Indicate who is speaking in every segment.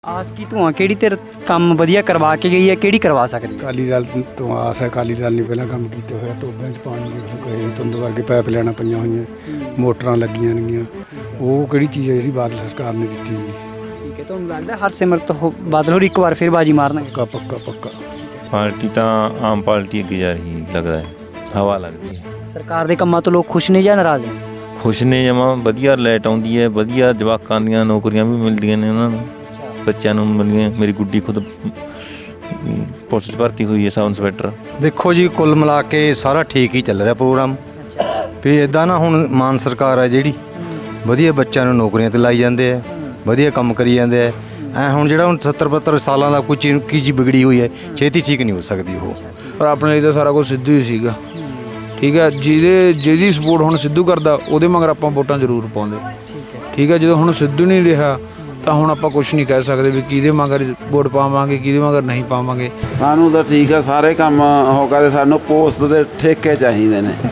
Speaker 1: ਆਸ ਕੀ ਧੂਆਂ ਕਿਹੜੀ ਧਿਰ ਕੰਮ ਵਧੀਆ ਕਰਵਾ ਕੇ ਗਈ ਹੈ, ਕਿਹੜੀ ਕਰਵਾ ਸਕਦੀ ਹੈ?
Speaker 2: ਅਕਾਲੀ ਦਲ ਤੋਂ ਆਸ ਹੈ। ਅਕਾਲੀ ਦਲ ਨੇ ਪਹਿਲਾਂ ਕੰਮ ਕੀਤੇ ਹੋਇਆ, ਟੋਬਿਆਂ 'ਚ ਪਾਣੀ ਦੇ ਕਹੇ ਤੁੰਦ ਵਰਗੇ ਪਾਈਪ ਲੈਣਾ ਪਈਆਂ ਹੋਈਆਂ, ਮੋਟਰਾਂ ਲੱਗੀਆਂ ਨੇਗੀਆਂ। ਉਹ ਕਿਹੜੀ ਚੀਜ਼ ਹੈ ਜਿਹੜੀ ਬਾਦਲ ਸਰਕਾਰ ਨੇ ਦਿੱਤੀ ਹੋਈ?
Speaker 1: ਠੀਕ ਹੈ, ਤੁਹਾਨੂੰ ਲੱਗਦਾ ਹਰਸਿਮਰਤ ਬਾਦਲ ਹੋਰ ਇੱਕ ਵਾਰ ਫਿਰ ਬਾਜੀ ਮਾਰਨਗੇ?
Speaker 2: ਪੱਕਾ ਪੱਕਾ ਪੱਕਾ।
Speaker 3: ਪਾਰਟੀ ਤਾਂ ਆਮ ਪਾਰਟੀ ਅੱਗੇ ਜਾ ਰਹੀ ਲੱਗਦਾ ਹੈ, ਹਵਾ ਲੱਗਦੀ ਹੈ।
Speaker 1: ਸਰਕਾਰ ਦੇ ਕੰਮਾਂ ਤੋਂ ਲੋਕ ਖੁਸ਼ ਨੇ ਜਾਂ ਨਾਰਾਜ਼ ਨੇ?
Speaker 3: ਖੁਸ਼ ਨੇ ਜਮਾਂ, ਵਧੀਆ ਲਾਈਟ ਆਉਂਦੀ ਹੈ, ਵਧੀਆ ਜਵਾਕਾਂ ਦੀਆਂ ਨੌਕਰੀਆਂ ਵੀ ਮਿਲਦੀਆਂ ਨੇ ਉਹਨਾਂ ਨੂੰ, ਬੱਚਿਆਂ ਨੂੰ ਮਿਲਦੀਆਂ। ਮੇਰੀ ਗੁੱਡੀ ਖੁਦ ਪੁਲਿਸ 'ਚ ਭਰਤੀ ਹੋਈ ਹੈ, ਸਬ ਇੰਸਪੈਕਟਰ।
Speaker 4: ਦੇਖੋ ਜੀ, ਕੁੱਲ ਮਿਲਾ ਕੇ ਸਾਰਾ ਠੀਕ ਹੀ ਚੱਲ ਰਿਹਾ ਪ੍ਰੋਗਰਾਮ। ਵੀ ਇੱਦਾਂ ਨਾ, ਹੁਣ ਮਾਨ ਸਰਕਾਰ ਹੈ ਜਿਹੜੀ ਵਧੀਆ ਬੱਚਿਆਂ ਨੂੰ ਨੌਕਰੀਆਂ 'ਤੇ ਲਾਈ ਜਾਂਦੇ ਆ, ਵਧੀਆ ਕੰਮ ਕਰੀ ਜਾਂਦੇ ਆ। ਹੁਣ ਜਿਹੜਾ ਹੁਣ 70-72 ਸਾਲਾਂ ਦਾ ਕੋਈ ਚੀਜ਼ ਕੀ ਚੀਜ਼ ਵਿਗੜੀ ਹੋਈ ਹੈ, ਛੇਤੀ ਠੀਕ ਨਹੀਂ ਹੋ ਸਕਦੀ ਉਹ।
Speaker 5: ਪਰ ਆਪਣੇ ਲਈ ਤਾਂ ਸਾਰਾ ਕੁਝ ਸਿੱਧੂ ਹੀ ਸੀਗਾ। ਠੀਕ ਹੈ, ਜਿਹਦੀ ਸਪੋਰਟ ਹੁਣ ਸਿੱਧੂ ਕਰਦਾ ਉਹਦੇ ਮਗਰ ਆਪਾਂ ਵੋਟਾਂ ਜ਼ਰੂਰ ਪਾਉਂਦੇ। ਠੀਕ ਹੈ, ਜਦੋਂ ਹੁਣ ਸਿੱਧੂ ਨਹੀਂ ਰਿਹਾ ਤਾਂ ਹੁਣ ਆਪਾਂ ਕੁਝ ਨਹੀਂ ਕਹਿ ਸਕਦੇ ਵੀ ਕਿਹਦੇ ਮਗਰ ਵੋਟ ਪਾਵਾਂਗੇ, ਕਿਹਦੇ ਮਗਰ ਨਹੀਂ ਪਾਵਾਂਗੇ।
Speaker 6: ਸਾਨੂੰ ਤਾਂ ਠੀਕ ਆ, ਸਾਰੇ ਕੰਮ ਹੋ ਕਰਦੇ। ਸਾਨੂੰ ਪੋਸਟ ਦੇ ਠੇਕੇ ਚਾਹੀਦੇ ਨੇ।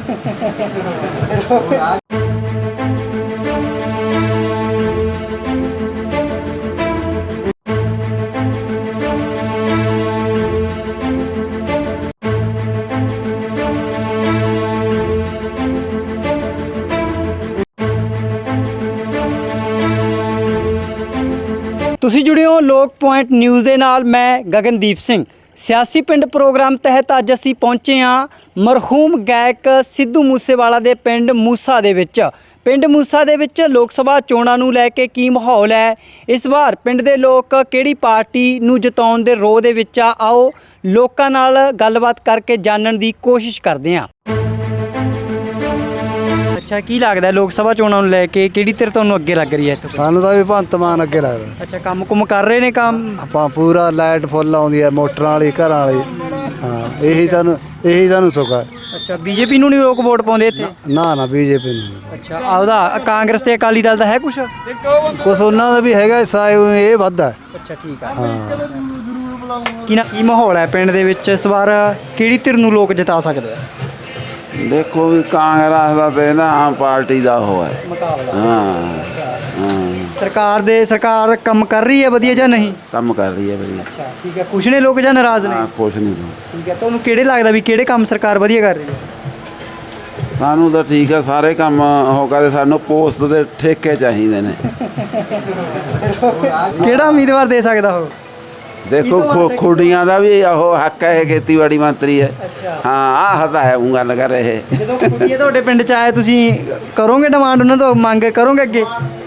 Speaker 1: ਤੁਸੀਂ ਜੁੜੇ ਹੋ ਲੋਕ ਪੁਆਇੰਟ ਨਿਊਜ਼ ਦੇ ਨਾਲ। ਮੈਂ ਗਗਨਦੀਪ ਸਿੰਘ। ਸਿਆਸੀ ਪਿੰਡ ਪ੍ਰੋਗਰਾਮ ਤਹਿਤ ਅੱਜ ਅਸੀਂ ਪਹੁੰਚੇ ਹਾਂ ਮਰਹੂਮ ਗਾਇਕ ਸਿੱਧੂ ਮੂਸੇਵਾਲਾ ਦੇ ਪਿੰਡ ਮੂਸਾ ਦੇ ਵਿੱਚ। ਪਿੰਡ ਮੂਸਾ ਦੇ ਵਿੱਚ ਲੋਕ ਸਭਾ ਚੋਣਾਂ ਨੂੰ ਲੈ ਕੇ ਕੀ ਮਾਹੌਲ ਹੈ, ਇਸ ਵਾਰ ਪਿੰਡ ਦੇ ਲੋਕ ਕਿਹੜੀ ਪਾਰਟੀ ਨੂੰ ਜਿਤਾਉਣ ਦੇ ਰੋਹ ਦੇ ਵਿੱਚ ਆ, ਆਓ ਲੋਕਾਂ ਨਾਲ ਗੱਲਬਾਤ ਕਰਕੇ ਜਾਣਨ ਦੀ ਕੋਸ਼ਿਸ਼ ਕਰਦੇ ਹਾਂ। ਅੱਛਾ, ਕੀ ਲੱਗਦਾ ਲੋਕ ਸਭਾ ਚੋਣਾਂ ਨੂੰ ਲੈ ਕੇ ਕਿਹੜੀ ਧਿਰ ਤੁਹਾਨੂੰ ਅੱਗੇ ਲੱਗ ਰਹੀ ਹੈ ਇੱਥੇ?
Speaker 2: ਸਾਨੂੰ ਤਾਂ ਵੀ ਭਗਵੰਤ ਮਾਨ ਅੱਗੇ ਲੱਗਦਾ।
Speaker 1: ਅੱਛਾ, ਕੰਮ ਕੁਮ ਕਰ ਰਹੇ ਨੇ ਕੰਮ?
Speaker 2: ਆਪਾਂ ਪੂਰਾ ਲਾਈਟ ਫੁੱਲ ਆਉਂਦੀ ਹੈ, ਮੋਟਰਾਂ ਵਾਲੀ, ਘਰਾਂ ਵਾਲੀ। ਹਾਂ, ਇਹੀ ਸਾਨੂੰ ਸੁੱਖ ਹੈ।
Speaker 1: ਅੱਛਾ, ਬੀਜੇਪੀ ਨੂੰ ਨਹੀਂ ਲੋਕ ਵੋਟ ਪਾਉਂਦੇ ਇੱਥੇ?
Speaker 2: ਨਾ ਬੀਜੇਪੀ ਨੂੰ।
Speaker 1: ਅੱਛਾ, ਆਪਦਾ ਕਾਂਗਰਸ ਤੇ ਅਕਾਲੀ ਦਲ ਦਾ ਹੈ ਕੁਛ
Speaker 2: ਉਹਨਾਂ ਦਾ ਵੀ ਹੈਗਾ ਹਿੱਸਾ, ਇਹ ਵੱਧ ਹੈ।
Speaker 1: ਅੱਛਾ, ਠੀਕ ਹੈ। ਕੀ ਮਾਹੌਲ ਹੈ ਪਿੰਡ ਦੇ ਵਿੱਚ ਇਸ ਵਾਰ, ਕਿਹੜੀ ਧਿਰ ਨੂੰ ਲੋਕ ਜਿਤਾ ਸਕਦੇ ਆ?
Speaker 6: ਦੇਖੋ ਵੀ ਕਾਂਗਰਸ ਦਾ ਤੇ ਨਾ ਆਮ ਪਾਰਟੀ ਦਾ ਉਹ ਹੈ ਹਾਂ।
Speaker 1: ਸਰਕਾਰ ਕੰਮ ਕਰ ਰਹੀ ਹੈ ਵਧੀਆ ਜਾਂ ਨਹੀਂ?
Speaker 6: ਕੰਮ ਕਰ ਰਹੀ ਹੈ ਵਧੀਆ।
Speaker 1: ਅੱਛਾ, ਠੀਕ ਹੈ। ਖੁਸ਼ ਨੇ ਲੋਕ ਜਾਂ ਨਾਰਾਜ਼ ਨੇ?
Speaker 6: ਕੁਛ ਨਹੀਂ।
Speaker 1: ਠੀਕ ਹੈ, ਤੁਹਾਨੂੰ ਕਿਹੜੇ ਲੱਗਦਾ ਵੀ ਕਿਹੜੇ ਕੰਮ ਸਰਕਾਰ ਵਧੀਆ ਕਰ ਰਹੀ ਹੈ?
Speaker 6: ਸਾਨੂੰ ਤਾਂ ਠੀਕ ਆ, ਸਾਰੇ ਕੰਮ ਹੋ ਕਰਦੇ। ਸਾਨੂੰ ਪੋਸਟ ਦੇ ਠੇਕੇ ਚਾਹੀਦੇ ਨੇ।
Speaker 1: ਕਿਹੜਾ ਉਮੀਦਵਾਰ ਦੇ ਸਕਦਾ ਉਹ?
Speaker 6: ਦੇਖੋ ਖੁੱਡੀਆਂ ਦਾ ਵੀ ਉਹ ਹੱਕ ਹੈ, ਖੇਤੀਬਾੜੀ ਮੰਤਰੀ ਹੈ। ਹਾਂ, ਆਹ ਤਾਂ ਹੈ ਉਹ ਗੱਲ ਕਰ ਰਹੇ।
Speaker 1: ਜਦੋਂ ਖੁੱਡੀਏ ਤੁਹਾਡੇ ਪਿੰਡ 'ਚ ਆਏ, ਤੁਸੀਂ ਕਰੋਗੇ ਡਿਮਾਂਡ ਉਹਨਾਂ ਤੋਂ, ਮੰਗ ਕਰੋਗੇ ਅੱਗੇ?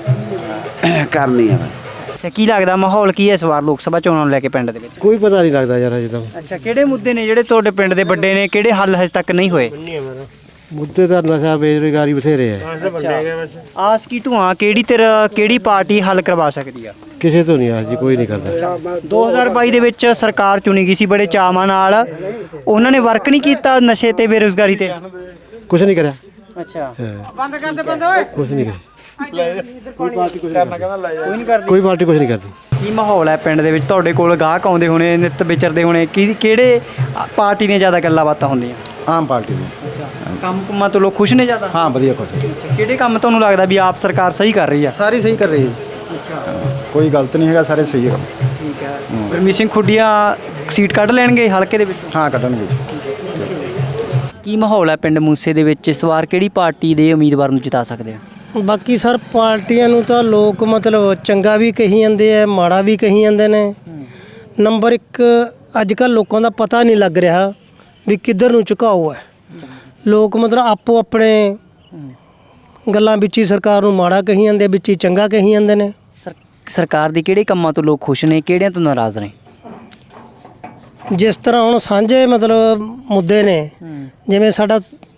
Speaker 6: ਕਰਨੀ ਹੈ।
Speaker 1: ਅੱਛਾ, ਕੀ ਲੱਗਦਾ ਮਾਹੌਲ ਕੀ ਹੈ ਇਸ ਵਾਰ ਲੋਕ ਸਭਾ ਚੋਣਾਂ ਨੂੰ ਲੈ ਕੇ ਪਿੰਡ ਦੇ ਵਿੱਚ?
Speaker 2: ਕੋਈ ਪਤਾ ਨਹੀਂ ਲੱਗਦਾ ਯਾਰ ਅਜੇ ਤਾਂ।
Speaker 1: ਅੱਛਾ, ਕਿਹੜੇ ਮੁੱਦੇ ਨੇ ਜਿਹੜੇ ਤੁਹਾਡੇ ਪਿੰਡ ਦੇ ਵੱਡੇ ਨੇ, ਕਿਹੜੇ ਹੱਲ ਹਜੇ ਤੱਕ ਨਹੀਂ ਹੋਏ?
Speaker 2: ਮੁੱਦੇ ਤਾਂ ਨਸ਼ਾ, ਬੇਰੁਜ਼ਗਾਰੀ ਬਥੇਰੇ ਹੈ।
Speaker 1: ਆਸ ਕੀ ਧੂਆਂ ਕਿਹੜੀ ਪਾਰਟੀ ਹੱਲ ਕਰਵਾ ਸਕਦੀ ਆ?
Speaker 2: ਕਿਸੇ ਤੋਂ ਨਹੀਂ ਆਸ ਜੀ, ਕੋਈ ਨਹੀਂ ਕਰਦਾ।
Speaker 1: 2022 ਦੇ ਵਿੱਚ ਸਰਕਾਰ ਚੁਣੀ ਗਈ ਸੀ ਬੜੇ ਚਾਵਾਂ ਨਾਲ, ਉਹਨਾਂ ਨੇ ਵਰਕ ਨਹੀਂ ਕੀਤਾ ਨਸ਼ੇ ਤੇ ਬੇਰੁਜ਼ਗਾਰੀ ਤੇ?
Speaker 2: ਕੁਛ ਨਹੀਂ ਕਰਿਆ।
Speaker 1: ਅੱਛਾ,
Speaker 2: ਬੰਦ ਕਰ ਦੇ ਬੰਦ ਓਏ। ਕੁਛ ਨਹੀਂ ਕਰਿਆ। ਕੋਈ ਪਾਰਟੀ ਕੁਛ ਨਹੀਂ ਕਰਦੀ।
Speaker 1: ਕੀ ਮਾਹੌਲ ਹੈ ਪਿੰਡ ਦੇ ਵਿੱਚ? ਤੁਹਾਡੇ ਕੋਲ ਗਾਹਕ ਆਉਂਦੇ ਹੋਣੇ, ਨਿੱਤ ਵਿਚਰਦੇ ਹੋਣੇ, ਕਿਹੜੇ ਪਾਰਟੀ ਦੀਆਂ ਜ਼ਿਆਦਾ ਗੱਲਾਂ ਬਾਤਾਂ ਹੁੰਦੀਆਂ?
Speaker 2: ਆਮ ਪਾਰਟੀ ਦੀ।
Speaker 1: ਅੱਛਾ, ਕੰਮ ਕੁੰਮਾਂ ਤੋਂ ਲੋਕ ਖੁਸ਼ ਨੇ ਜ਼ਿਆਦਾ?
Speaker 2: ਹਾਂ, ਵਧੀਆ ਖੁਸ਼।
Speaker 1: ਕਿਹੜੇ ਕੰਮ ਤੁਹਾਨੂੰ ਲੱਗਦਾ ਵੀ ਆਪ ਸਰਕਾਰ ਸਹੀ ਕਰ ਰਹੀ ਆ?
Speaker 2: ਸਾਰੀ ਸਹੀ ਕਰ ਰਹੀ ਹੈ।
Speaker 1: ਅੱਛਾ,
Speaker 2: ਕੋਈ ਗਲਤ ਨਹੀਂ ਹੈਗਾ, ਸਾਰੇ ਸਹੀ ਹੈ।
Speaker 1: ਠੀਕ ਹੈ। ਗੁਰਮੀਤ ਸਿੰਘ ਖੁੱਡੀਆਂ ਸੀਟ ਕੱਢ ਲੈਣਗੇ ਹਲਕੇ ਦੇ ਵਿੱਚ?
Speaker 2: ਹਾਂ, ਕੱਢਣਗੇ।
Speaker 1: ਕੀ ਮਾਹੌਲ ਹੈ ਪਿੰਡ ਮੂਸੇ ਦੇ ਵਿੱਚ ਇਸ ਵਾਰ, ਕਿਹੜੀ ਪਾਰਟੀ ਦੇ ਉਮੀਦਵਾਰ ਨੂੰ ਜਿਤਾ ਸਕਦੇ ਆ?
Speaker 7: ਬਾਕੀ ਸਰ ਪਾਰਟੀਆਂ ਨੂੰ ਤਾਂ ਲੋਕ ਮਤਲਬ ਚੰਗਾ ਵੀ ਕਹੀ ਜਾਂਦੇ ਆ, ਮਾੜਾ ਵੀ ਕਹੀ ਜਾਂਦੇ ਨੇ। ਨੰਬਰ 1 ਅੱਜ ਕੱਲ੍ਹ ਲੋਕਾਂ ਦਾ ਪਤਾ ਨਹੀਂ ਲੱਗ ਰਿਹਾ ਵੀ ਕਿੱਧਰ ਨੂੰ ਝੁਕਾਓ ਹੈ। ਲੋਕ ਮਤਲਬ ਆਪੋ ਆਪਣੇ ਗੱਲਾਂ ਵਿੱਚ ਹੀ ਸਰਕਾਰ ਨੂੰ ਮਾੜਾ ਕਹੀ ਜਾਂਦੇ, ਵਿੱਚ ਹੀ ਚੰਗਾ ਕਹੀ ਜਾਂਦੇ ਨੇ।
Speaker 1: ਸਰਕਾਰ ਦੇ ਕਿਹੜੇ ਕੰਮਾਂ ਤੋਂ ਲੋਕ ਖੁਸ਼ ਨੇ, ਕਿਹੜਿਆਂ ਤੋਂ ਨਾਰਾਜ਼ ਨੇ?
Speaker 7: ਜਿਸ ਤਰ੍ਹਾਂ ਹੁਣ ਸਾਂਝੇ ਮਤਲਬ ਮੁੱਦੇ ਨੇ, ਜਿਵੇਂ ਸਾਡਾ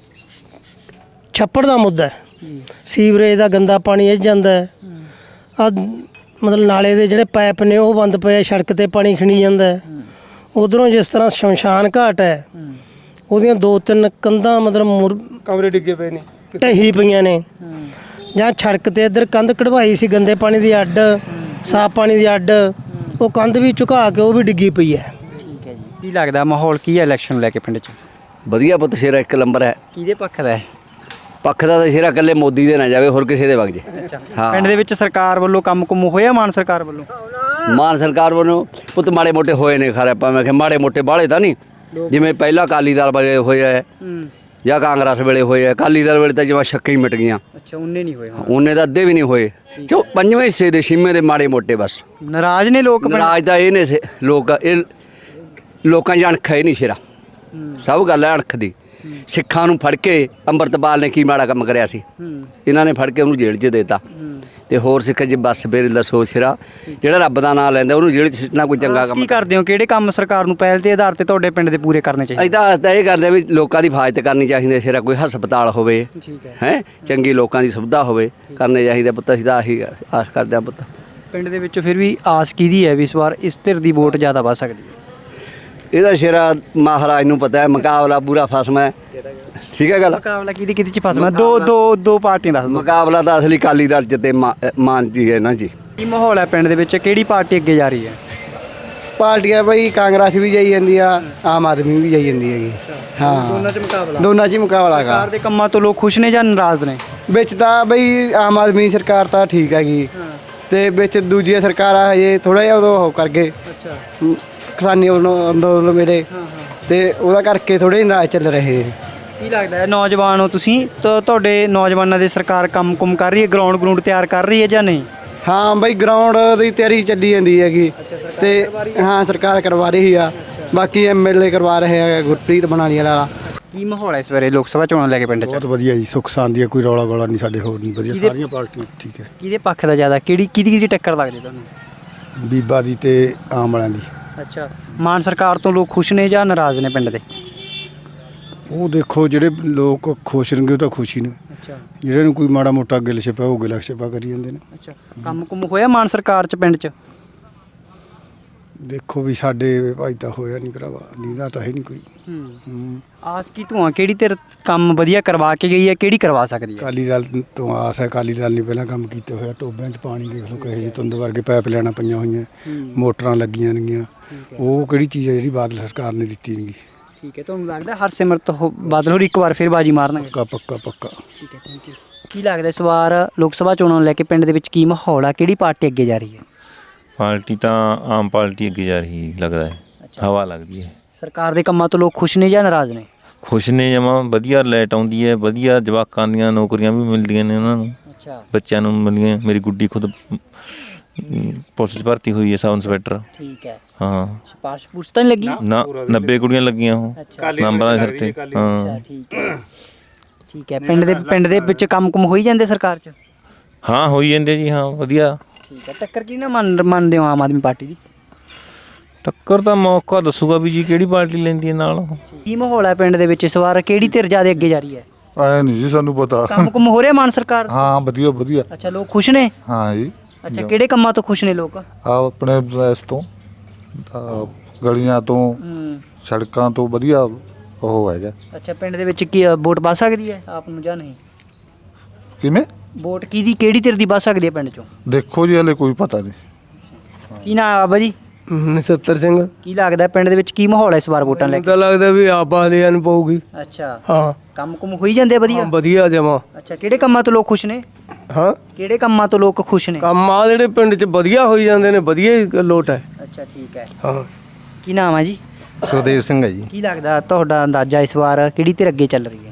Speaker 7: ਛੱਪੜ ਦਾ ਮੁੱਦਾ ਹੈ, ਸੀਵਰੇਜ ਦਾ ਗੰਦਾ ਪਾਣੀ ਇਹ ਜਾਂਦਾ ਹੈ। ਮਤਲਬ ਨਾਲੇ ਦੇ ਜਿਹੜੇ ਪਾਈਪ ਨੇ ਉਹ ਬੰਦ ਪਏ, ਸੜਕ 'ਤੇ ਪਾਣੀ ਖਿਣੀ ਜਾਂਦਾ ਹੈ। ਉਧਰੋਂ ਜਿਸ ਤਰ੍ਹਾਂ ਸ਼ਮਸ਼ਾਨ ਘਾਟ ਹੈ, ਉਹਦੀਆਂ 2-3 ਕੰਧਾਂ ਮਤਲਬ
Speaker 5: ਕਮਰੇ ਡਿੱਗੇ ਪਏ ਨੇ,
Speaker 7: ਢਹੀ ਪਈਆਂ ਨੇ। ਜਾਂ ਸੜਕ 'ਤੇ ਇੱਧਰ ਕੰਧ ਕਢਵਾਈ ਸੀ ਗੰਦੇ ਪਾਣੀ ਦੀ ਅੱਡ, ਸਾਫ਼ ਪਾਣੀ ਦੀ ਅੱਡ, ਉਹ ਕੰਧ ਵੀ ਝੁਕਾ ਕੇ ਉਹ ਵੀ ਡਿੱਗੀ ਪਈ ਹੈ।
Speaker 1: ਠੀਕ ਹੈ ਜੀ। ਕੀ ਲੱਗਦਾ ਮਾਹੌਲ ਕੀ ਹੈ ਇਲੈਕਸ਼ਨ ਨੂੰ ਲੈ ਕੇ ਪਿੰਡ 'ਚ?
Speaker 8: ਵਧੀਆ ਪੁੱਤ, ਸ਼ੇਰਾ ਇੱਕ ਨੰਬਰ ਹੈ।
Speaker 1: ਕਿਹਦੇ ਪੱਖ ਦਾ ਹੈ?
Speaker 8: ਪੱਖ ਦਾ ਤਾਂ ਸ਼ੇਰਾ ਇਕੱਲੇ ਮੋਦੀ ਦੇ ਨਾ ਜਾਵੇ, ਹੋਰ ਕਿਸੇ ਦੇ ਵਗ ਜੇ।
Speaker 1: ਪਿੰਡ ਦੇ ਵਿੱਚ ਸਰਕਾਰ ਵੱਲੋਂ ਕੰਮ ਕੁਮ ਹੋਇਆ ਮਾਨ ਸਰਕਾਰ ਵੱਲੋਂ?
Speaker 8: ਮਾਨ ਸਰਕਾਰ ਵੱਲੋਂ ਪੁੱਤ ਮਾੜੇ ਮੋਟੇ ਹੋਏ ਨੇ ਖਰੇ ਆਪਾਂ ਮੈਂ ਕਿਹਾ ਮਾੜੇ ਮੋਟੇ ਬਾਹਲੇ ਤਾਂ ਨਹੀਂ ਜਿਵੇਂ ਪਹਿਲਾਂ ਅਕਾਲੀ ਦਲ ਵੇਲੇ ਹੋਏ ਹੈ ਜਾਂ ਕਾਂਗਰਸ ਵੇਲੇ ਹੋਏ ਹੈ। ਅਕਾਲੀ ਦਲ ਵੇਲੇ ਤਾਂ ਜਿਵੇਂ ਛੱਕੇ ਹੀ ਮਿਟ ਗਈਆਂ।
Speaker 1: ਅੱਛਾ ਉਹਨੇ ਨਹੀਂ ਹੋਏ
Speaker 8: ਉਹਨੇ ਤਾਂ ਅੱਧੇ ਵੀ ਨਹੀਂ ਹੋਏ। ਪੰਜਵੇਂ ਹਿੱਸੇ ਦੇ ਛੇਵੇਂ ਦੇ ਮਾੜੇ ਮੋਟੇ ਬਸ
Speaker 1: ਨਾਰਾਜ਼ ਨੇ ਲੋਕ
Speaker 8: ਨਾਰਾਜ਼ ਤਾਂ ਇਹ ਨੇ ਲੋਕ ਇਹ ਲੋਕਾਂ 'ਚ ਅਣਖ ਹੈ ਨਹੀਂ ਸ਼ੇਰਾ ਸਭ ਗੱਲ ਹੈ ਅਣਖ ਦੀ। ਸਿੱਖਾਂ ਨੂੰ ਫੜ ਕੇ ਅੰਮ੍ਰਿਤਪਾਲ ਨੇ ਕੀ ਮਾੜਾ ਕੰਮ ਕਰਿਆ ਸੀ ਇਹਨਾਂ ਨੇ ਫੜ ਕੇ ਉਹਨੂੰ ਜੇਲ੍ਹ 'ਚ ਦੇਤਾ ਤੇ ਹੋਰ ਸਿੱਖ ਜੀ ਬਸ ਫਿਰ ਦੱਸੋ ਸ਼ੇਰਾ ਜਿਹੜਾ ਰੱਬ ਦਾ ਨਾਮ ਲੈਂਦਾ ਉਹਨੂੰ ਜੇਲ੍ਹ 'ਚ ਸਿੱਟਣਾ ਕੋਈ ਚੰਗਾ ਕੰਮ
Speaker 1: ਕੀ ਕਰਦੇ ਹੋ ਕਿਹੜੇ ਕੰਮ ਸਰਕਾਰ ਨੂੰ ਪਹਿਲ ਦੇ ਆਧਾਰ ਤੇ ਤੁਹਾਡੇ ਪਿੰਡ ਦੇ ਪੂਰੇ ਕਰਨੇ ਚਾਹੀਦੇ?
Speaker 8: ਅਸੀਂ ਤਾਂ ਇਹ ਕਰਦੇ ਵੀ ਲੋਕਾਂ ਦੀ ਹਿਫਾਜ਼ਤ ਕਰਨੀ ਚਾਹੀਦੀ ਹੈ ਸ਼ੇਰਾ ਕੋਈ ਹਸਪਤਾਲ ਹੋਵੇ ਹੈ ਚੰਗੀ ਲੋਕਾਂ ਦੀ ਸੁਵਿਧਾ ਹੋਵੇ ਕਰਨੇ ਚਾਹੀਦੇ ਪੁੱਤ ਅਸੀਂ ਤਾਂ ਆਹੀ ਆਸ ਕਰਦੇ ਹਾਂ ਪੁੱਤ।
Speaker 1: ਪਿੰਡ ਦੇ ਵਿੱਚ ਫਿਰ ਵੀ ਆਸ ਕਿਹਦੀ ਹੈ ਵੀ ਇਸ ਵਾਰ ਇਸ ਧਿਰ ਦੀ ਵੋਟ ਜ਼ਿਆਦਾ ਵੱਧ ਸਕਦੀ ਹੈ?
Speaker 8: ਇਹਦਾ ਸ਼ੇਰਾ ਮਹਾਰਾਜ ਨੂੰ ਪਤਾ ਹੈ ਮੁਕਾਬਲਾ ਪੂਰਾ ਫਸਮਾ ਹੈ ਠੀਕ ਹੈ ਗੱਲ।
Speaker 1: ਮੁਕਾਬਲਾ ਕਿਹਦੀ ਚ ਫਸਣਾ? ਦੋ ਪਾਰਟੀਆਂ ਦੱਸ ਦਿਓ।
Speaker 8: ਮੁਕਾਬਲਾ ਤਾਂ ਅਸਲੀ ਅਕਾਲੀ ਦਲ ਚ ਤੇ ਮਾਨ ਜੀ ਹੈ ਨਾ ਜੀ।
Speaker 1: ਕੀ ਮਾਹੌਲ ਹੈ ਪਿੰਡ ਦੇ ਵਿੱਚ ਕਿਹੜੀ ਪਾਰਟੀ ਅੱਗੇ ਜਾ ਰਹੀ ਹੈ?
Speaker 7: ਪਾਰਟੀਆਂ ਬਈ ਕਾਂਗਰਸ ਵੀ ਜਾਈ ਜਾਂਦੀ ਆ ਆਮ ਆਦਮੀ ਵੀ ਜਾਈ ਜਾਂਦੀ ਹੈਗੀ। ਹਾਂ
Speaker 1: ਦੋਨਾਂ 'ਚ ਮੁਕਾਬਲਾ
Speaker 7: ਦੋਨਾਂ 'ਚ ਹੀ ਮੁਕਾਬਲਾ ਹੈਗਾ।
Speaker 1: ਸਰਕਾਰ ਦੇ ਕੰਮਾਂ ਤੋਂ ਲੋਕ ਖੁਸ਼ ਨੇ ਜਾਂ ਨਾਰਾਜ਼ ਨੇ?
Speaker 7: ਵਿੱਚ ਤਾਂ ਬਈ ਆਮ ਆਦਮੀ ਸਰਕਾਰ ਤਾਂ ਠੀਕ ਹੈਗੀ ਤੇ ਵਿੱਚ ਦੂਜੀਆਂ ਸਰਕਾਰਾਂ ਹਜੇ ਥੋੜਾ ਜਿਹਾ ਉਦੋਂ ਉਹ ਕਰ ਗਏ ਕਿਸਾਨੀ ਅੰਦੋਲਨ ਵੇਲੇ ਤੇ ਉਹਦਾ ਕਰਕੇ ਥੋੜੇ ਨਾਰਾਜ਼ ਚੱਲ ਰਹੇ ਨੇ।
Speaker 1: ਕੀ ਲੱਗਦਾ ਹੈ ਨੌਜਵਾਨ ਹੋ ਤੁਸੀਂ ਤਾਂ ਤੁਹਾਡੇ ਨੌਜਵਾਨਾਂ ਦੇ ਸਰਕਾਰ ਕੰਮ ਕਰ ਰਹੀ ਹੈ ਗਰਾਊਂਡ ਤਿਆਰ ਕਰ ਰਹੀ ਹੈ ਜਾਂ ਨਹੀਂ?
Speaker 7: ਹਾਂ ਬਈ ਗਰਾਊਂਡ ਦੀ ਤਿਆਰੀ ਚੱਲੀ ਜਾਂਦੀ ਹੈਗੀ ਤੇ ਹਾਂ ਸਰਕਾਰ ਕਰਵਾ ਰਹੀ ਆ ਬਾਕੀ ਐਮਐਲਏ ਕਰਵਾ ਰਹੇ ਆ ਗੁਰਪ੍ਰੀਤ ਬਣਾਣੀ ਵਾਲਾ।
Speaker 1: ਕੀ ਮਾਹੌਲ ਹੈ ਇਸ ਵੇਲੇ ਲੋਕ ਸਭਾ ਚੋਣਾਂ ਲੈ ਕੇ ਪਿੰਡ 'ਚ?
Speaker 2: ਬਹੁਤ ਵਧੀਆ ਜੀ ਸੁੱਖ ਸ਼ਾਂਤੀ ਹੈ ਕੋਈ ਰੌਲਾ ਗੋਲਾ ਨਹੀਂ ਸਾਡੇ ਹੋਰ ਨਹੀਂ ਵਧੀਆ ਸਾਰੀਆਂ ਪਾਰਟੀਆਂ ਠੀਕ ਹੈ।
Speaker 1: ਕਿਹਦੇ ਪੱਖ ਦਾ ਜ਼ਿਆਦਾ ਕਿਹਦੀ ਟੱਕਰ ਲੱਗਦੀ ਤੁਹਾਨੂੰ?
Speaker 2: ਬੀਬਾ ਦੀ ਤੇ ਆਮ ਵਾਲਿਆਂ ਦੀ।
Speaker 1: ਅੱਛਾ ਮਾਨ ਸਰਕਾਰ ਤੋਂ ਲੋਕ ਖੁਸ਼ ਨੇ ਜਾਂ ਨਾਰਾਜ਼ ਨੇ ਪਿੰਡ ਦੇ?
Speaker 2: ਉਹ ਦੇਖੋ ਜਿਹੜੇ ਲੋਕ ਖੁਸ਼ ਰਹਿਣਗੇ ਉਹ ਤਾਂ ਖੁਸ਼ੀ ਨੇ
Speaker 1: ਅੱਛਾ
Speaker 2: ਜਿਹੜੇ ਨੂੰ ਕੋਈ ਮਾੜਾ ਮੋਟਾ ਗਿਲ ਛਿਪਾ ਉਹ ਗਿਲਾ ਛਿਪਾ ਕਰੀ ਜਾਂਦੇ ਨੇ।
Speaker 1: ਅੱਛਾ ਕੰਮ ਹੋਇਆ ਮਾਨ ਸਰਕਾਰ 'ਚ ਪਿੰਡ 'ਚ?
Speaker 2: ਦੇਖੋ ਵੀ ਸਾਡੇ ਭਾਈ ਤਾਂ ਹੋਇਆ ਨਹੀਂ ਭਰਾਵਾ ਨੀਂਦਾ ਤਾਂ ਹੈ ਨਹੀਂ ਕੋਈ।
Speaker 1: ਆਸ ਕੀ ਧੂਆਂ ਕਿਹੜੀ ਧਿਰ ਕੰਮ ਵਧੀਆ ਕਰਵਾ ਕੇ ਗਈ ਹੈ ਕਿਹੜੀ ਕਰਵਾ ਸਕਦੀ ਹੈ?
Speaker 2: ਅਕਾਲੀ ਦਲ ਤੋਂ ਆਸ ਹੈ। ਅਕਾਲੀ ਦਲ ਨੇ ਪਹਿਲਾਂ ਕੰਮ ਕੀਤੇ ਹੋਇਆ ਟੋਬਿਆਂ 'ਚ ਪਾਣੀ ਦੇਖ ਲਓ ਕਹੇ ਜੀ ਤੁੰਦ ਵਰਗੇ ਪਾਈਪ ਲੈਣਾ ਪਈਆਂ ਹੋਈਆਂ ਮੋਟਰਾਂ ਲੱਗੀਆਂ ਨੇਗੀਆਂ। ਉਹ ਕਿਹੜੀ ਚੀਜ਼ ਹੈ ਜਿਹੜੀ ਬਾਦਲ ਸਰਕਾਰ ਨੇ ਦਿੱਤੀ ਨਹੀਂ?
Speaker 1: ਠੀਕ ਹੈ ਤੁਹਾਨੂੰ ਲੱਗਦਾ ਹਰਸਿਮਰਤ ਬਾਦਲ ਹੋਰ ਇੱਕ ਵਾਰ ਫਿਰ ਬਾਜੀ ਮਾਰਨਗੇ?
Speaker 2: ਪੱਕਾ।
Speaker 1: ਠੀਕ ਹੈ ਥੈਂਕ ਯੂ। ਕੀ ਲੱਗਦਾ ਇਸ ਵਾਰ ਲੋਕ ਸਭਾ ਚੋਣਾਂ ਨੂੰ ਲੈ ਕੇ ਪਿੰਡ ਦੇ ਵਿੱਚ ਕੀ ਮਾਹੌਲ ਆ ਕਿਹੜੀ ਪਾਰਟੀ ਅੱਗੇ ਜਾ ਰਹੀ ਹੈ?
Speaker 3: ਪਾਰਟੀ ਤਾਂ ਆਮ ਪਾਰਟੀ ਅੱਗੇ ਜਾ ਰਹੀ ਲੱਗਦਾ ਹੈ ਹਵਾ ਲੱਗਦੀ ਹੈ।
Speaker 1: ਸਰਕਾਰ ਦੇ ਕੰਮਾਂ ਤੋਂ ਲੋਕ ਖੁਸ਼ ਨੇ ਜਾਂ ਨਾਰਾਜ਼ ਨੇ?
Speaker 3: ਖੁਸ਼ ਨੇ ਜਮਾਂ ਵਧੀਆ ਲਾਈਟ ਆਉਂਦੀ ਹੈ ਵਧੀਆ ਜਵਾਕਾਂ ਦੀਆਂ ਨੌਕਰੀਆਂ ਵੀ ਮਿਲਦੀਆਂ ਨੇ ਉਹਨਾਂ ਨੂੰ
Speaker 1: ਅੱਛਾ
Speaker 3: ਬੱਚਿਆਂ ਨੂੰ ਮਿਲੀਆਂ। ਮੇਰੀ ਗੁੱਡੀ ਖੁਦ ਪੁਲਿਸ 'ਚ ਭਰਤੀ ਹੋਈ ਹੈ ਸਬ ਇੰਸਪੈਕਟਰ।
Speaker 1: ਠੀਕ ਹੈ
Speaker 3: ਹਾਂ
Speaker 1: ਸਿਫਾਰਿਸ਼ ਪੁਰਸ਼ ਤਾਂ ਨਹੀਂ ਲੱਗੀ?
Speaker 3: ਨਾ 90 ਕੁੜੀਆਂ ਲੱਗੀਆਂ ਉਹ ਨੰਬਰਾਂ ਦੇ ਸਿਰ ਤੇ। ਹਾਂ
Speaker 1: ਠੀਕ ਹੈ ਪਿੰਡ ਦੇ ਵਿੱਚ ਕੰਮ ਹੋਈ ਜਾਂਦੇ ਸਰਕਾਰ 'ਚ?
Speaker 3: ਹਾਂ ਹੋਈ ਜਾਂਦੇ ਜੀ ਹਾਂ ਵਧੀਆ।
Speaker 1: ਠੀਕ ਹੈ ਟੱਕਰ ਕੀ ਨਾ ਮੰਨਦੇ ਹੋ ਆਮ ਆਦਮੀ ਪਾਰਟੀ ਦੀ?
Speaker 3: ਟੱਕਰ ਤਾਂ ਮੌਕਾ ਦੱਸੂਗਾ ਵੀ ਜੀ ਕਿਹੜੀ ਪਾਰਟੀ ਲੈਂਦੀ ਹੈ ਨਾਲ।
Speaker 1: ਕੀ ਮਾਹੌਲ ਹੈ ਪਿੰਡ ਦੇ ਵਿੱਚ ਇਸ ਵਾਰ ਕਿਹੜੀ ਧਿਰ ਜ਼ਿਆਦਾ ਅੱਗੇ ਜਾ ਰਹੀ ਹੈ?
Speaker 9: ਆਇਆ ਨਹੀਂ ਜੀ ਸਾਨੂੰ ਪਤਾ।
Speaker 1: ਕੰਮ ਹੋ ਰਿਹਾ ਮਾਨ ਸਰਕਾਰ?
Speaker 9: ਹਾਂ ਵਧੀਆ।
Speaker 1: ਅੱਛਾ ਲੋਕ ਖੁਸ਼ ਨੇ?
Speaker 9: ਹਾਂ ਜੀ।
Speaker 1: ਅੱਛਾ ਕਿਹੜੇ ਕੰਮਾਂ ਤੋਂ ਖੁਸ਼ ਨੇ ਲੋਕ?
Speaker 9: ਆਪਣੇ ਇਸ ਤੋਂ ਗਲੀਆਂ ਤੋਂ ਸੜਕਾਂ ਤੋਂ ਵਧੀਆ ਉਹ ਹੈਗਾ।
Speaker 1: ਅੱਛਾ ਪਿੰਡ ਦੇ ਵਿੱਚ ਕੀ ਵੋਟ ਪਾ ਸਕਦੀ ਹੈ ਆਪ ਨੂੰ ਜਾਂ ਨਹੀਂ?
Speaker 9: ਕਿਵੇਂ
Speaker 1: ਵੋਟ ਕਿਹੜੀ ਧਿਰ ਦੀ ਪਾ ਸਕਦੀ ਹੈ ਪਿੰਡ ਚੋਂ?
Speaker 9: ਦੇਖੋ ਜੀ ਹਲੇ ਕੋਈ ਪਤਾ ਨਹੀਂ।
Speaker 1: ਕੀ ਨਾਮ ਆ ਬਾਬਾ ਜੀ?
Speaker 7: ਨਛੱਤਰ ਸਿੰਘ।
Speaker 1: ਕੀ ਲੱਗਦਾ ਪਿੰਡ ਦੇ ਵਿੱਚ ਕੀ ਮਾਹੌਲ ਹੈ ਇਸ ਵਾਰ ਵੋਟਾਂ ਲੈ ਕੇ?
Speaker 7: ਤਾਂ ਲੱਗਦਾ ਵੀ ਆਪ ਵਾਲਿਆਂ ਨੂੰ ਪਊਗੀ।
Speaker 1: ਅੱਛਾ
Speaker 7: ਹਾਂ
Speaker 1: ਕੰਮ ਹੋਈ ਜਾਂਦੇ ਵਧੀਆ?
Speaker 7: ਵਧੀਆ ਜਮਾ।
Speaker 1: ਅੱਛਾ ਕਿਹੜੇ ਕੰਮਾਂ ਤੋਂ ਲੋਕ ਖੁਸ਼ ਨੇ?
Speaker 7: ਹਾਂ
Speaker 1: ਕਿਹੜੇ ਕੰਮਾਂ ਤੋਂ ਲੋਕ ਖੁਸ਼ ਨੇ?
Speaker 7: ਕੰਮ ਆ ਜਿਹੜੇ ਪਿੰਡ 'ਚ ਵਧੀਆ ਹੋਈ ਜਾਂਦੇ ਨੇ ਵਧੀਆ ਹੀ ਲੋਟ ਹੈ।
Speaker 1: ਅੱਛਾ ਠੀਕ ਹੈ।
Speaker 7: ਹਾਂ
Speaker 1: ਕੀ ਨਾਮ ਹੈ ਜੀ?
Speaker 4: ਸੁਖਦੇਵ ਸਿੰਘ ਹੈ ਜੀ।
Speaker 1: ਕੀ ਲੱਗਦਾ ਤੁਹਾਡਾ ਅੰਦਾਜ਼ਾ ਇਸ ਵਾਰ ਕਿਹੜੀ ਧਿਰ ਅੱਗੇ ਚੱਲ ਰਹੀ ਹੈ?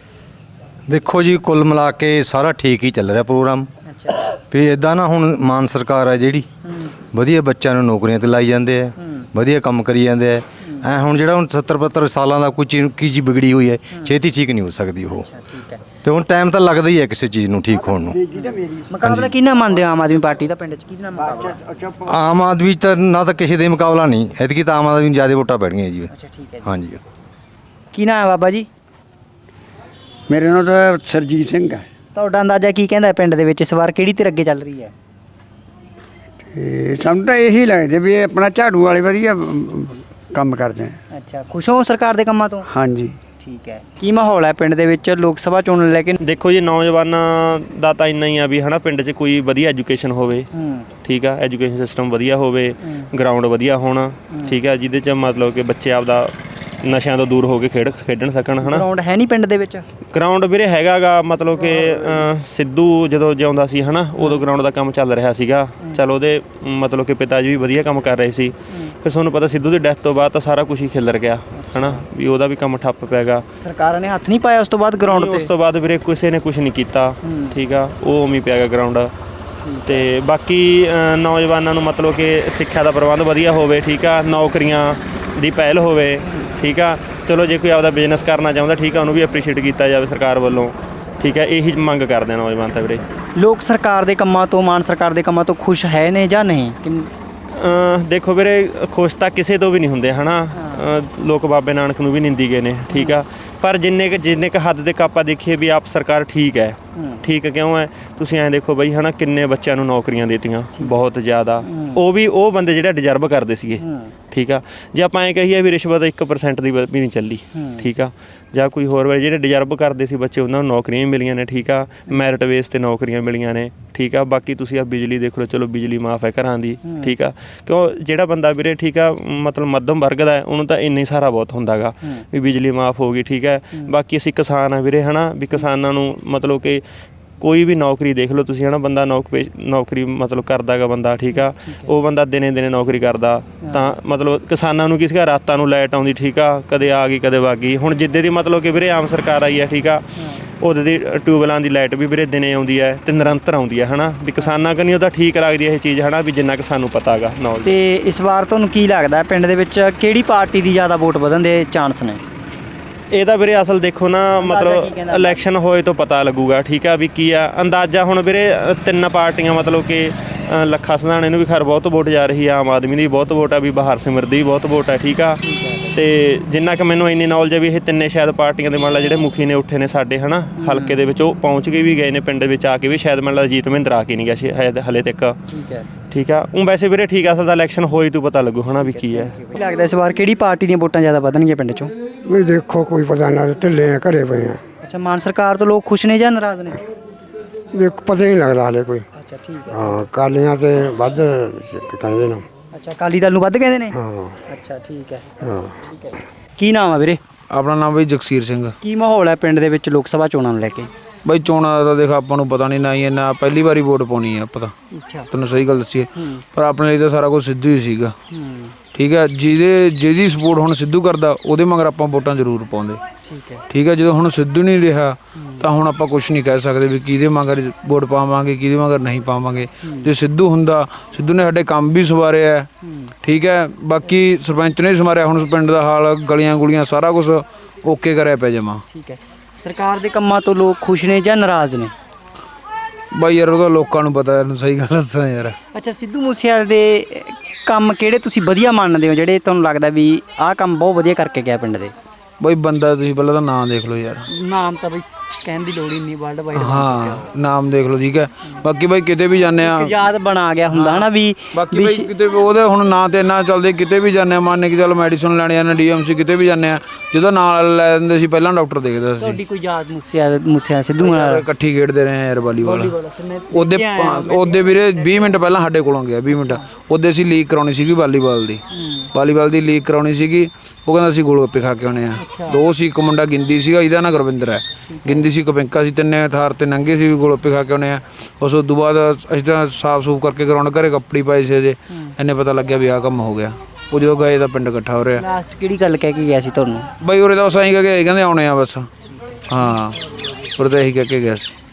Speaker 4: ਦੇਖੋ ਜੀ ਕੁੱਲ ਮਿਲਾ ਕੇ ਸਾਰਾ ਠੀਕ ਹੀ ਚੱਲ ਰਿਹਾ ਪ੍ਰੋਗਰਾਮ।
Speaker 1: ਅੱਛਾ
Speaker 4: ਵੀ ਇਦਾਂ ਨਾ ਹੁਣ ਮਾਨ ਸਰਕਾਰ ਹੈ ਜਿਹੜੀ ਵਧੀਆ ਬੱਚਿਆਂ ਨੂੰ ਨੌਕਰੀਆਂ ਤੇ ਲਾਈ ਜਾਂਦੇ ਆ ਵਧੀਆ ਕੰਮ ਕਰੀ ਜਾਂਦੇ ਆ। ਐ ਹੁਣ ਜਿਹੜਾ ਹੁਣ 70-72 ਸਾਲਾਂ ਦਾ ਕੋਈ ਚੀਜ਼ ਕੀ ਜੀ ਵਿਗੜੀ ਹੋਈ ਹੈ ਛੇਤੀ ਠੀਕ ਨਹੀਂ ਹੋ ਸਕਦੀ ਉਹ।
Speaker 1: ਠੀਕ ਹੈ
Speaker 4: ਤੇ ਹੁਣ ਟਾਈਮ ਤਾਂ ਲੱਗਦਾ ਹੀ ਹੈ ਕਿਸੇ ਚੀਜ਼ ਨੂੰ ਠੀਕ ਹੋਣ ਨੂੰ।
Speaker 1: ਮੁਕਾਬਲਾ ਕਿਹਨਾਂ ਮੰਨਦੇ ਹੋ ਆਮ ਆਦਮੀ ਪਾਰਟੀ ਦਾ ਪਿੰਡ 'ਚ ਕਿਹਦੇ ਨਾਲ ਮੁਕਾਬਲਾ?
Speaker 4: ਆਮ ਆਦਮੀ ਤਾਂ ਨਾ ਤਾਂ ਕਿਸੇ ਦੇ ਮੁਕਾਬਲਾ ਨਹੀਂ ਐਤਕੀ ਤਾਂ ਆਮ ਆਦਮੀ ਨੂੰ ਜ਼ਿਆਦਾ ਵੋਟਾਂ ਪੈਣਗੀਆਂ ਜੀ।
Speaker 1: ਅੱਛਾ ਠੀਕ ਹੈ।
Speaker 4: ਹਾਂਜੀ
Speaker 1: ਕੀ ਨਾਮ ਹੈ ਬਾਬਾ ਜੀ?
Speaker 10: ਮੇਰੇ ਨਾਲ ਤਾਂ ਸਰਜੀਤ ਸਿੰਘ ਹੈ।
Speaker 1: ਤੁਹਾਡਾ ਅੰਦਾਜ਼ਾ ਕੀ ਕਹਿੰਦਾ ਪਿੰਡ ਦੇ ਵਿੱਚ ਇਸ ਵਾਰ ਕਿਹੜੀ ਧਿਰ ਅੱਗੇ ਚੱਲ ਰਹੀ ਹੈ?
Speaker 10: ਤੇ ਸਾਨੂੰ ਤਾਂ ਇਹੀ ਲੱਗਦਾ ਵੀ ਇਹ ਆਪਣਾ ਝਾੜੂ ਵਾਲੇ ਵਧੀਆ ਕੰਮ ਕਰਦੇ ਆ।
Speaker 1: ਅੱਛਾ ਖੁਸ਼ ਹੋ ਸਰਕਾਰ ਦੇ ਕੰਮਾਂ ਤੋਂ?
Speaker 10: ਹਾਂਜੀ
Speaker 1: ਠੀਕ ਹੈ। ਕੀ ਮਾਹੌਲ ਹੈ ਪਿੰਡ ਦੇ ਵਿੱਚ ਲੋਕ ਸਭਾ ਚੋਣ ਨੂੰ ਲੈ ਕੇ?
Speaker 11: ਦੇਖੋ ਜੀ ਨੌਜਵਾਨਾਂ ਦਾ ਤਾਂ ਇੰਨਾ ਹੀ ਆ ਵੀ ਹਨਾ ਪਿੰਡ 'ਚ ਕੋਈ ਵਧੀਆ ਐਜੂਕੇਸ਼ਨ ਹੋਵੇ। ਠੀਕ ਆ ਐਜੂਕੇਸ਼ਨ ਸਿਸਟਮ ਵਧੀਆ ਹੋਵੇ ਗਰਾਊਂਡ ਵਧੀਆ ਹੋਣਾ। ਠੀਕ ਆ ਜਿਹਦੇ 'ਚ ਮਤਲਬ ਕਿ ਬੱਚੇ ਆਪਦਾ ਨਸ਼ਿਆਂ ਤੋਂ ਦੂਰ ਹੋ ਕੇ ਖੇਡਣ ਸਕਣ ਹਨਾ।
Speaker 1: ਗਰਾਊਂਡ ਹੈ ਨਹੀਂ ਪਿੰਡ ਦੇ ਵਿੱਚ?
Speaker 11: ਗਰਾਊਂਡ ਵੀਰੇ ਹੈਗਾਗਾ, ਮਤਲਬ ਕਿ ਸਿੱਧੂ ਜਦੋਂ ਜਿਉਂਦਾ ਸੀ ਹਨਾ ਉਦੋਂ ਗਰਾਊਂਡ ਦਾ ਕੰਮ ਚੱਲ ਰਿਹਾ ਸੀਗਾ। ਚਲ ਉਹਦੇ ਮਤਲਬ ਕਿ ਪਿਤਾ ਜੀ ਵੀ ਵਧੀਆ ਕੰਮ ਕਰ ਰਹੇ ਸੀ। ਫਿਰ ਤੁਹਾਨੂੰ ਪਤਾ ਸਿੱਧੂ ਦੀ ਡੈਥ ਤੋਂ ਬਾਅਦ ਤਾਂ ਸਾਰਾ ਕੁਝ ਹੀ ਖਿਲਰ ਗਿਆ ਹਨਾ, ਵੀ ਉਹਦਾ ਵੀ ਕੰਮ ਠੱਪ ਪੈ ਗਿਆ।
Speaker 1: ਸਰਕਾਰਾਂ ਨੇ ਹੱਥ ਨਹੀਂ ਪਾਇਆ ਉਸ ਤੋਂ ਬਾਅਦ ਗਰਾਊਂਡ ਤੇ?
Speaker 11: ਉਸ ਤੋਂ ਬਾਅਦ ਵੀਰੇ ਕਿਸੇ ਨੇ ਕੁਝ ਨਹੀਂ ਕੀਤਾ, ਠੀਕ ਆ, ਉਹ ਉਵੇਂ ਪਿਆ ਗਿਆ ਗਰਾਊਂਡ। ਤੇ ਬਾਕੀ ਨੌਜਵਾਨਾਂ ਨੂੰ ਮਤਲਬ ਕਿ ਸਿੱਖਿਆ ਦਾ ਪ੍ਰਬੰਧ ਵਧੀਆ ਹੋਵੇ, ਠੀਕ ਆ, ਨੌਕਰੀਆਂ ਦੀ ਪਹਿਲ ਹੋਵੇ, ਠੀਕ ਆ। ਚਲੋ ਜੇ ਕੋਈ ਆਪਦਾ ਬਿਜ਼ਨਸ ਕਰਨਾ ਚਾਹੁੰਦਾ, ਠੀਕ ਆ, ਉਹਨੂੰ ਵੀ ਐਪਰੀਸ਼ੀਏਟ ਕੀਤਾ ਜਾਵੇ ਸਰਕਾਰ ਵੱਲੋਂ, ਠੀਕ ਹੈ। ਇਹੀ ਮੰਗ ਕਰਦੇ ਆ ਨੌਜਵਾਨ ਤਾਂ ਵੀਰੇ।
Speaker 1: ਲੋਕ ਸਰਕਾਰ ਦੇ ਕੰਮਾਂ ਤੋਂ, ਮਾਨ ਸਰਕਾਰ ਦੇ ਕੰਮਾਂ ਤੋਂ ਖੁਸ਼ ਹੈ ਨੇ ਜਾਂ ਨਹੀਂ?
Speaker 11: ਦੇਖੋ ਵੀਰੇ, ਖੁਸ਼ ਤਾਂ ਕਿਸੇ ਤੋਂ ਵੀ ਨਹੀਂ ਹੁੰਦੇ ਹਨਾ। ਲੋਕ ਬਾਬੇ ਨਾਨਕ ਨੂੰ ਵੀ ਨਿੰਦੀ ਗਏ ਨੇ, ਠੀਕ ਆ, ਪਰ ਜਿੰਨੇ ਕੁ ਹੱਦ ਤੱਕ ਆਪਾਂ ਦੇਖੀਏ ਵੀ ਆਪ ਸਰਕਾਰ ਠੀਕ ਹੈ। ਠੀਕ ਕਿਉਂ ਹੈ? ਤੁਸੀਂ ਐਂ ਦੇਖੋ ਬਈ ਹਨਾ, ਕਿੰਨੇ ਬੱਚਿਆਂ ਨੂੰ ਨੌਕਰੀਆਂ ਦਿੱਤੀਆਂ, ਬਹੁਤ ਜ਼ਿਆਦਾ। ਉਹ ਵੀ ਉਹ ਬੰਦੇ ਜਿਹੜੇ ਡਿਜ਼ਰਵ ਕਰਦੇ ਸੀਗੇ, ਠੀਕ ਆ। ਜੇ ਆਪਾਂ ਐਂ ਕਹੀਏ ਵੀ ਰਿਸ਼ਵਤ 1% ਦੀ ਵੀ ਨਹੀਂ ਚੱਲੀ, ਠੀਕ ਆ, ਜਾਂ ਕੋਈ ਹੋਰ ਵਾਲੇ ਜਿਹੜੇ ਡਿਜ਼ਰਵ ਕਰਦੇ ਸੀ ਬੱਚੇ, ਉਹਨਾਂ ਨੂੰ ਨੌਕਰੀਆਂ ਵੀ ਮਿਲੀਆਂ ਨੇ, ਠੀਕ ਆ, ਮੈਰਿਟ ਬੇਸ 'ਤੇ ਨੌਕਰੀਆਂ ਮਿਲੀਆਂ ਨੇ, ਠੀਕ ਆ। ਬਾਕੀ ਤੁਸੀਂ ਆ ਬਿਜਲੀ ਦੇਖ ਲਓ, ਚਲੋ ਬਿਜਲੀ ਮਾਫ ਹੈ ਘਰਾਂ ਦੀ, ਠੀਕ ਆ, ਕਿਉਂ ਜਿਹੜਾ ਬੰਦਾ ਵੀਰੇ, ਠੀਕ ਆ, ਮਤਲਬ ਮੱਧਮ ਵਰਗ ਦਾ ਉਹਨੂੰ ਤਾਂ ਇੰਨਾ ਹੀ ਸਾਰਾ ਬਹੁਤ ਹੁੰਦਾ ਗਾ ਵੀ ਬਿਜਲੀ ਮਾਫ ਹੋ ਗਈ, ਠੀਕ ਹੈ। ਬਾਕੀ ਅਸੀਂ ਕਿਸਾਨ ਆ ਵੀਰੇ ਹਨਾ, ਵੀ ਕਿਸਾਨਾਂ ਨੂੰ ਮਤਲਬ ਕਿ ਕੋਈ ਵੀ ਨੌਕਰੀ ਦੇਖ ਲਓ ਤੁਸੀਂ ਹਨਾ, ਬੰਦਾ ਨੌਕਰੀ ਮਤਲਬ ਕਰਦਾ ਗਾ ਬੰਦਾ, ਠੀਕ ਆ, ਉਹ ਬੰਦਾ ਦਿਨੇ ਨੌਕਰੀ ਕਰਦਾ, ਤਾਂ ਮਤਲਬ ਕਿਸਾਨਾਂ ਨੂੰ ਕਿਸੇ ਰਾਤਾਂ ਨੂੰ ਲਾਈਟ ਆਉਂਦੀ, ਠੀਕ ਆ, ਕਦੇ ਆ ਗਈ ਕਦੇ ਵਗ ਗਈ। ਹੁਣ ਜਿੱਦੇ ਦੀ ਮਤਲਬ ਕਿ ਵੀਰੇ ਆਮ ਸਰਕਾਰ ਆਈ ਹੈ, ਠੀਕ ਆ, ਉਹਦੇ ਦੀ ਟਿਊਬਵੈਲਾਂ ਦੀ ਲਾਈਟ ਵੀ ਵੀਰੇ ਦਿਨੇ ਆਉਂਦੀ ਹੈ ਤੇ ਨਿਰੰਤਰ ਆਉਂਦੀ ਹੈ ਹਨਾ, ਵੀ ਕਿਸਾਨਾਂ ਕਨੀ ਉਹਦਾ ਠੀਕ ਲੱਗਦੀ ਹੈ ਇਹ ਚੀਜ਼ ਹਨਾ, ਵੀ ਜਿੰਨਾ ਕਿ ਸਾਨੂੰ ਪਤਾ ਗਾ ਨੌਲੇਜ।
Speaker 1: ਤੇ ਇਸ ਵਾਰ ਤੁਹਾਨੂੰ ਕੀ ਲੱਗਦਾ ਪਿੰਡ ਦੇ ਵਿੱਚ ਕਿਹੜੀ ਪਾਰਟੀ ਦੀ ਜ਼ਿਆਦਾ ਵੋਟ ਵਧਣ ਦੇ ਚਾਂਸ ਨੇ?
Speaker 11: ਇਹਦਾ ਵੀਰੇ ਅਸਲ ਦੇਖੋ ਨਾ, ਮਤਲਬ ਇਲੈਕਸ਼ਨ ਹੋਏ ਤੋਂ ਪਤਾ ਲੱਗੂਗਾ, ਠੀਕ ਆ, ਵੀ ਕੀ ਆ ਅੰਦਾਜ਼ਾ। ਹੁਣ ਵੀਰੇ 3 ਪਾਰਟੀਆਂ ਮਤਲਬ ਕਿ ਲੱਖਾ ਸਿਧਾਣੇ ਨੂੰ ਵੀ ਖੈਰ ਬਹੁਤ ਵੋਟ ਜਾ ਰਹੀ ਆ, ਆਮ ਆਦਮੀ ਦੀ ਬਹੁਤ ਵੋਟ ਆ, ਵੀ ਬਹਾਰ ਸਿਮਰ ਦੀ ਵੀ ਬਹੁਤ ਵੋਟ ਆ, ਠੀਕ ਆ। ਤੇ ਜਿੰਨਾ ਕਿ ਮੈਨੂੰ ਇੰਨੀ ਨੌਲੇਜ ਹੈ ਵੀ ਇਹ ਤਿੰਨੇ ਸ਼ਾਇਦ ਪਾਰਟੀਆਂ ਦੇ ਮੰਨ ਲਾ ਜਿਹੜੇ ਮੁਖੀ ਨੇ ਉੱਠੇ ਨੇ ਸਾਡੇ ਹਨਾ ਹਲਕੇ ਦੇ ਵਿੱਚ, ਉਹ ਪਹੁੰਚ ਕੇ ਵੀ ਗਏ ਨੇ ਪਿੰਡ ਵਿੱਚ ਆ ਕੇ ਵੀ, ਸ਼ਾਇਦ ਮੰਨ ਲਾ ਜੀਤ ਮਹਿੰਦਰ ਆ ਕੇ ਨਹੀਂ ਗਿਆ ਸ਼ਾਇਦ ਹਲੇ ਤੱਕ, ਠੀਕ ਆ। ਉਹ ਵੈਸੇ ਵੀਰੇ ਠੀਕ ਆ, ਅਸਲ ਦਾ ਇਲੈਕਸ਼ਨ ਹੋਈ ਤੋਂ ਪਤਾ ਲੱਗੂ ਹਨਾ ਵੀ ਕੀ ਹੈ।
Speaker 1: ਕੀ ਲੱਗਦਾ ਇਸ ਵਾਰ ਕਿਹੜੀ ਪਾਰਟੀ ਦੀਆਂ ਵੋਟਾਂ ਜ਼ਿਆਦਾ ਵਧਣਗੀਆਂ ਪਿੰਡ 'ਚੋਂ?
Speaker 10: ਵੀ ਦੇਖੋ ਕੋਈ ਪਤਾ ਨਾ, ਢਿੱਲੇ ਆ, ਘਰੇ ਪਏ ਆ।
Speaker 1: ਅੱਛਾ, ਮਾਨ ਸਰਕਾਰ ਤੋਂ ਲੋਕ ਖੁਸ਼ ਨੇ ਜਾਂ ਨਾਰਾਜ਼ ਨੇ?
Speaker 10: ਦੇਖ ਪਤਾ ਹੀ ਨਹੀਂ ਲੱਗਦਾ ਹਾਲੇ ਕੋਈ।
Speaker 1: ਅੱਛਾ, ਠੀਕ ਹੈ।
Speaker 10: ਹਾਂ, ਕਾਲੀਆਂ ਤੇ ਵੱਧ ਕਹਿੰਦੇ ਨੇ।
Speaker 1: ਅੱਛਾ, ਅਕਾਲੀ ਦਲ ਨੂੰ ਵੱਧ ਕਹਿੰਦੇ ਨੇ?
Speaker 10: ਹਾਂ।
Speaker 1: ਅੱਛਾ, ਠੀਕ ਹੈ।
Speaker 10: ਹਾਂ,
Speaker 1: ਠੀਕ ਹੈ। ਕੀ ਨਾਮ ਆ ਵੀਰੇ?
Speaker 5: ਆਪਣਾ ਨਾਮ ਬਈ ਜਗਸੀਰ ਸਿੰਘ।
Speaker 1: ਕੀ ਮਾਹੌਲ ਹੈ ਪਿੰਡ ਦੇ ਵਿੱਚ ਲੋਕ ਸਭਾ ਚੋਣਾਂ ਨੂੰ ਲੈ ਕੇ?
Speaker 5: ਬਈ ਚੋਣਾਂ ਦਾ ਤਾਂ ਦੇਖ ਆਪਾਂ ਨੂੰ ਪਤਾ ਨਹੀਂ, ਨਾ ਹੀ ਇੰਨਾ ਪਹਿਲੀ ਵਾਰੀ ਵੋਟ ਪਾਉਣੀ ਆ ਆਪਾਂ ਤਾਂ,
Speaker 1: ਅੱਛਾ,
Speaker 5: ਤੈਨੂੰ ਸਹੀ ਗੱਲ ਦੱਸੀਏ, ਪਰ ਆਪਣੇ ਲਈ ਤਾਂ ਸਾਰਾ ਕੁਝ ਸਿੱਧੂ ਹੀ ਸੀਗਾ, ਠੀਕ ਹੈ। ਜਿਹਦੀ ਸਪੋਰਟ ਹੁਣ ਸਿੱਧੂ ਕਰਦਾ, ਉਹਦੇ ਮਗਰ ਆਪਾਂ ਵੋਟਾਂ ਜ਼ਰੂਰ ਪਾਉਂਦੇ,
Speaker 1: ਠੀਕ ਹੈ,
Speaker 5: ਠੀਕ ਹੈ। ਜਦੋਂ ਹੁਣ ਸਿੱਧੂ ਨਹੀਂ ਰਿਹਾ ਤਾਂ ਹੁਣ ਆਪਾਂ ਕੁਝ ਨਹੀਂ ਕਹਿ ਸਕਦੇ ਵੀ ਕਿਹਦੇ ਮਗਰ ਵੋਟ ਪਾਵਾਂਗੇ, ਕਿਹਦੇ ਮਗਰ ਨਹੀਂ ਪਾਵਾਂਗੇ। ਜੇ ਸਿੱਧੂ ਹੁੰਦਾ, ਸਿੱਧੂ ਨੇ ਸਾਡੇ ਕੰਮ ਵੀ ਸਵਾਰਿਆ, ਠੀਕ ਹੈ। ਬਾਕੀ ਸਰਪੰਚ ਨੇ ਸਵਾਰਿਆ, ਹੁਣ ਪਿੰਡ ਦਾ ਹਾਲ, ਗਲੀਆਂ ਗੁਲੀਆਂ ਸਾਰਾ ਕੁਝ ਓਕੇ ਕਰਿਆ ਪਿਆ ਜਮਾ,
Speaker 1: ਠੀਕ ਹੈ। ਸਰਕਾਰ ਦੇ ਕੰਮਾਂ ਤੋਂ ਲੋਕ ਖੁਸ਼ ਨੇ ਜਾਂ ਨਾਰਾਜ਼ ਨੇ?
Speaker 5: ਬਾਈ ਯਾਰ ਉਹਦਾ ਲੋਕਾਂ ਨੂੰ ਪਤਾ, ਯਾਰ ਸਹੀ ਗੱਲ ਦੱਸਾਂ ਯਾਰ।
Speaker 1: ਅੱਛਾ, ਸਿੱਧੂ ਮੂਸੇਵਾਲੇ ਦੇ ਕੰਮ ਕਿਹੜੇ ਤੁਸੀਂ ਵਧੀਆ ਮੰਨਦੇ ਹੋ, ਜਿਹੜੇ ਤੁਹਾਨੂੰ ਲੱਗਦਾ ਵੀ ਆਹ ਕੰਮ ਬਹੁਤ ਵਧੀਆ ਕਰਕੇ ਗਿਆ ਪਿੰਡ ਦੇ?
Speaker 5: ਬਾਈ ਬੰਦਾ ਤੁਸੀਂ ਪਹਿਲਾਂ ਤਾਂ ਨਾਮ ਦੇਖ ਲਓ ਯਾਰ।
Speaker 1: ਨਾਮ ਤਾਂ ਬਈ ਕਹਿਣ ਦੀ ਲੋੜ ਹੀ ਨਹੀਂ, ਵਰਲਡ ਵਾਈਡ
Speaker 5: ਹਾਂ, ਨਾਮ ਦੇਖ ਲਓ, ਠੀਕ ਹੈ। ਬਾਕੀ ਬਾਈ ਕਿਤੇ ਵੀ ਜਾਂਦੇ ਆ,
Speaker 1: ਯਾਦ ਬਣਾ ਗਿਆ ਹੁੰਦਾ ਹਨਾ ਵੀ।
Speaker 5: ਬਾਕੀ ਬਾਈ ਕਿਤੇ ਉਹਦੇ ਹੁਣ ਨਾਂ ਤੇ ਇੰਨਾ ਚੱਲਦੇ, ਕਿਤੇ ਵੀ ਜਾਂਦੇ ਆ, ਮੰਨ ਕੇ ਚੱਲ ਮੈਡੀਸਨ ਲੈਣੇ ਆ, DMC ਕਿਤੇ ਵੀ ਜਾਂਦੇ ਆ, ਜਦੋਂ ਨਾਲ ਲੈ ਦਿੰਦੇ ਸੀ ਪਹਿਲਾਂ ਡਾਕਟਰ ਦੇਖਦਾ ਸੀ।
Speaker 1: ਤੁਹਾਡੀ ਕੋਈ ਯਾਦ ਮੂਸੇਵਾਲੇ ਸਿੱਧੂ ਨਾਲ?
Speaker 5: ਇਕੱਠੀ ਖੇਡਦੇ ਰਹੇ ਯਾਰ ਵਾਲੀਬਾਲ। ਉਹਦੇ ਵੀਰੇ 20 ਮਿੰਟ ਪਹਿਲਾਂ ਸਾਡੇ ਕੋਲੋਂ ਗਿਆ, 20 ਮਿੰਟ ਉਹਦੇ ਅਸੀਂ ਲੀਕ ਕਰਾਉਣੀ ਸੀਗੀ ਵਾਲੀਬਾਲ ਦੀ ਲੀਕ ਕਰਾਉਣੀ ਸੀਗੀ। ਉਹ ਕਹਿੰਦਾ ਅਸੀਂ ਗੋਲ ਗੱਪੇ ਖਾ ਕੇ ਆਉਣੇ ਆ। 2 ਸੀ, ਇੱਕ ਮੁੰਡਾ ਗਿੰਦੀ ਸੀਗਾ, ਇਹਦਾ ਨਾਂ ਗੁਰਵਿੰਦਰ ਹੈ, ਗਿੰਦੀ ਸੀ, ਕਪਿੰਕਾ ਸੀ, ਤਿੰਨੇ ਥਾਰ ਤੇ ਨੰਗੇ ਸੀ, ਗੋਲ ਗੱਪੇ ਖਾ ਕੇ ਆਉਣੇ ਆ। ਉਸ ਤੋਂ ਬਾਅਦ ਅਸੀਂ ਤਾਂ ਸਾਫ਼ ਸੂਫ ਕਰਕੇ ਗਰਾਊਂਡ ਘਰੇ ਕੱਪੜੀ ਪਾਈ ਸੀ ਅਜੇ, ਇੰਨੇ ਪਤਾ ਲੱਗਿਆ ਵੀ ਆਹ ਕੰਮ ਹੋ ਗਿਆ। ਉਹ ਜਦੋਂ ਗਏ ਤਾਂ ਪਿੰਡ ਇਕੱਠਾ ਹੋ ਰਿਹਾ।
Speaker 1: ਲਾਸਟ ਕਿਹੜੀ ਗੱਲ ਕਹਿ ਕੇ ਗਿਆ ਸੀ ਤੁਹਾਨੂੰ?
Speaker 5: ਬਾਈ ਉਰੇ ਤਾਂ ਬਸ ਐਂ ਕਹਿ ਕੇ ਕਹਿੰਦੇ ਆਉਣੇ ਆ ਬਸ, ਹਾਂ ਉਰੇ ਤਾਂ ਇਹੀ ਕਹਿ ਕੇ ਗਿਆ ਸੀ।